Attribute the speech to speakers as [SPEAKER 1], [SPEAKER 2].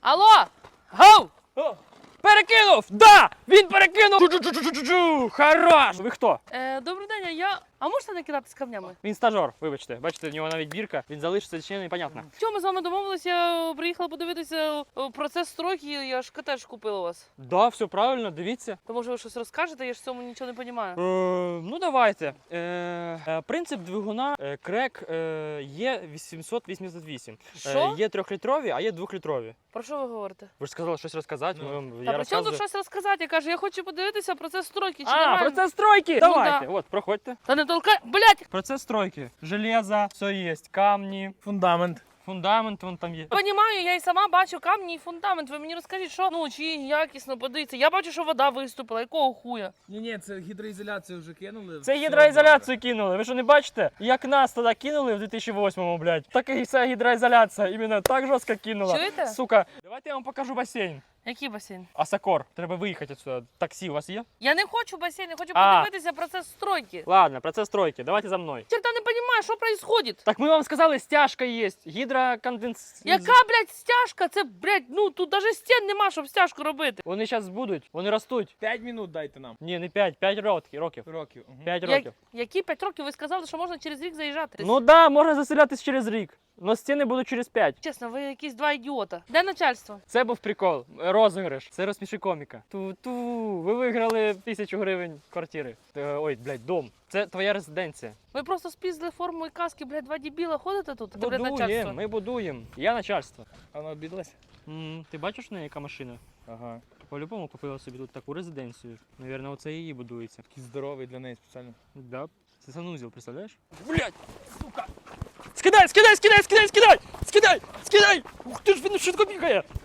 [SPEAKER 1] Алло! Гоу!
[SPEAKER 2] Перекинув! Да! Він перекинув! Чу-чу-чу-чу-чу-чу! Хорош! Ви хто?
[SPEAKER 1] Добрий день, А можете не кидатись камнями?
[SPEAKER 2] Він стажер, вибачте. Бачите, в нього навіть бірка. Він залишиться чи не, непонятно.
[SPEAKER 1] Чому ми з вами домовилися? Я приїхала подивитися процес стройки, я ж котедж купила у вас.
[SPEAKER 2] Да, все правильно, дивіться.
[SPEAKER 1] То може ви щось розкажете, я ж в цьому нічого не розумію.
[SPEAKER 2] Ну давайте. Принцип двигуна крек є 888.
[SPEAKER 1] Що?
[SPEAKER 2] Є 3-літрові, а є 2-літрові.
[SPEAKER 1] Про що ви говорите?
[SPEAKER 2] Ви ж сказали щось розказати.
[SPEAKER 1] Та
[SPEAKER 2] Я
[SPEAKER 1] при чому
[SPEAKER 2] розказую.
[SPEAKER 1] тут щось розказати? Я кажу, я хочу подивитися процес стройки, чи нормально?
[SPEAKER 2] Процес стройки!
[SPEAKER 1] Ну,
[SPEAKER 2] Давайте,
[SPEAKER 1] да.
[SPEAKER 2] от, проходьте.
[SPEAKER 1] Та не толкай, блядь!
[SPEAKER 2] Процес стройки. Железо, все є, камні,
[SPEAKER 3] Фундамент.
[SPEAKER 2] фундамент вон там є.
[SPEAKER 1] Понімаю, я і сама бачу камні і фундамент. Ви мені розкажіть, що чи якісно подивіться. Я бачу, що вода виступила. Якого хуя?
[SPEAKER 3] Ні, це гідроізоляцію вже кинули.
[SPEAKER 2] Це
[SPEAKER 3] все
[SPEAKER 2] гідроізоляцію кинули. Ви що не бачите? Як нас тоді кинули в 2008-му, блядь. Так і вся гідроізоляція іменно так жорстко кинула.
[SPEAKER 1] Чуєте?
[SPEAKER 2] Сука. Давайте я вам покажу басейн.
[SPEAKER 1] Який басейн?
[SPEAKER 2] Асакор. Треба виїхати отсюда. Таксі у вас є?
[SPEAKER 1] Я не хочу басейн, я хочу
[SPEAKER 2] А.
[SPEAKER 1] подивитися процес стройки.
[SPEAKER 2] Ладно, процес стройки. Давайте за мною.
[SPEAKER 1] Черта не розумію, що відбувається.
[SPEAKER 2] Так ми вам сказали, стяжка є. Гідроконденс...
[SPEAKER 1] Яка, блядь, стяжка? Це, блядь, тут навіть стін нема, щоб стяжку робити.
[SPEAKER 2] Вони зараз будуть, вони ростуть.
[SPEAKER 3] 5 минут дайте нам.
[SPEAKER 2] Ні, не 5, 5 років.
[SPEAKER 3] Років. Угу.
[SPEAKER 2] 5 років.
[SPEAKER 1] Які 5 років? Ви сказали, що можна через рік заїжджати.
[SPEAKER 2] Ну да, можна заселятись через рік. Но стіни будуть через 5.
[SPEAKER 1] Чесно, ви якісь два ідіота. Де начальство?
[SPEAKER 2] Це був прикол, розіграш. Це розсміши коміка. Ту-ту, ви виграли 1000 гривень квартири. Ой, блядь, дом. Це твоя резиденція.
[SPEAKER 1] Ви просто спіздили форму і каски, блядь, два дебіла ходите тут? Де, блядь, начальство?
[SPEAKER 2] Будуємо, ми будуємо. Я начальство.
[SPEAKER 3] А вона обідалась?
[SPEAKER 2] Ти бачиш в неї яка машина?
[SPEAKER 3] Ага.
[SPEAKER 2] По-любому купила собі тут таку резиденцію. Навірно, оце її будується.
[SPEAKER 3] Такий здоровий для неї спеціально.
[SPEAKER 2] Да. Це санузел, представляєш? Блядь, сука! Скидай! Скидай! Ух ти ж, він швидко бігає!